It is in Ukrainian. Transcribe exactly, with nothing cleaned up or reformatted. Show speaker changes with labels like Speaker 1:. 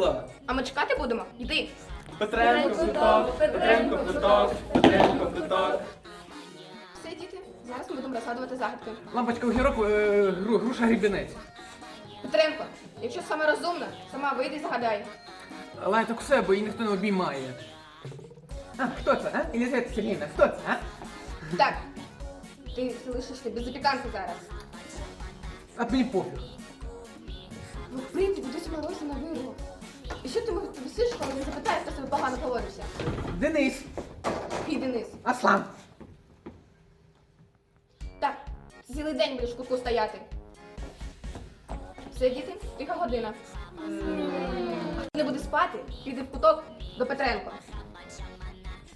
Speaker 1: вийшла.
Speaker 2: А ми чекати будемо? Йди.
Speaker 1: Петренко квиток, Петренко квиток, Петренко квиток.
Speaker 2: Все, діти, зараз ми будемо розгадувати загадки.
Speaker 3: Лампочка огірок, е, гру- груша грібінець.
Speaker 2: Петренко, якщо саме розумна, сама вийди і загадай.
Speaker 3: Але так все, бо її ніхто не обіймає. А, хто це, а? Елізавета Сергіївна, хто це, а?
Speaker 2: Так, ти залишишся без запіканки зараз.
Speaker 3: А мені пофіг.
Speaker 2: Ну, в принципі, досі морозі на вирву. І що ти висиш, коли не запитаєш, хто себе погано поводився?
Speaker 3: Денис,
Speaker 2: Піди Денис.
Speaker 3: Аслан.
Speaker 2: Так, цілий день будеш в кутку стояти. Все, діти, тиха година. Хто не буде спати, піде в куток до Петренко.